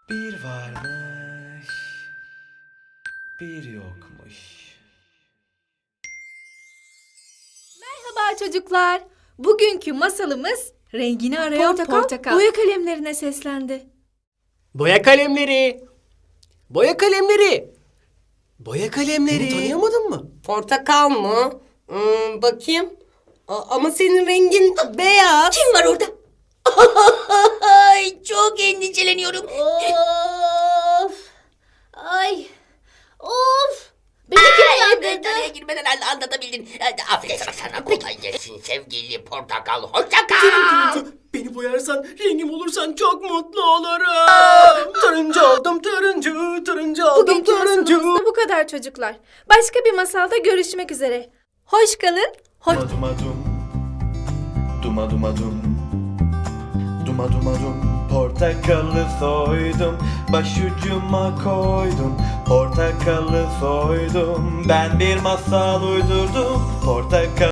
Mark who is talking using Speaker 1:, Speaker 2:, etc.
Speaker 1: Bir varmış, bir yokmuş.
Speaker 2: Merhaba çocuklar. Bugünkü masalımız rengini arayan portakal. Boya kalemlerine seslendi.
Speaker 3: Boya kalemleri. Boya kalemleri. Boya kalemleri. Beni tanıyamadın mı?
Speaker 4: Portakal mı? Bakayım. Ama senin rengin beyaz.
Speaker 5: Kim var orada? Ay, çok endişeleniyorum.
Speaker 2: Of! Ay! Of! Beni kim yandırdı?
Speaker 5: Araya girmeden anlatabildin. Aferin sana kolay gelsin sevgili portakal. Hoşça kal.
Speaker 3: Beni boyarsan, rengim olursan çok mutlu olurum. Turuncu oldum, turuncu oldum,
Speaker 2: Bugünkü masalımız
Speaker 3: turuncu.
Speaker 2: da bu kadar çocuklar. Başka bir masalda görüşmek üzere. Hoş kalın.
Speaker 1: Duma duma dum, duma duma dum. Duma duma dum, portakalı soydum, başucuma koydum. Portakalı soydum, ben bir masal uydurdum. Portakal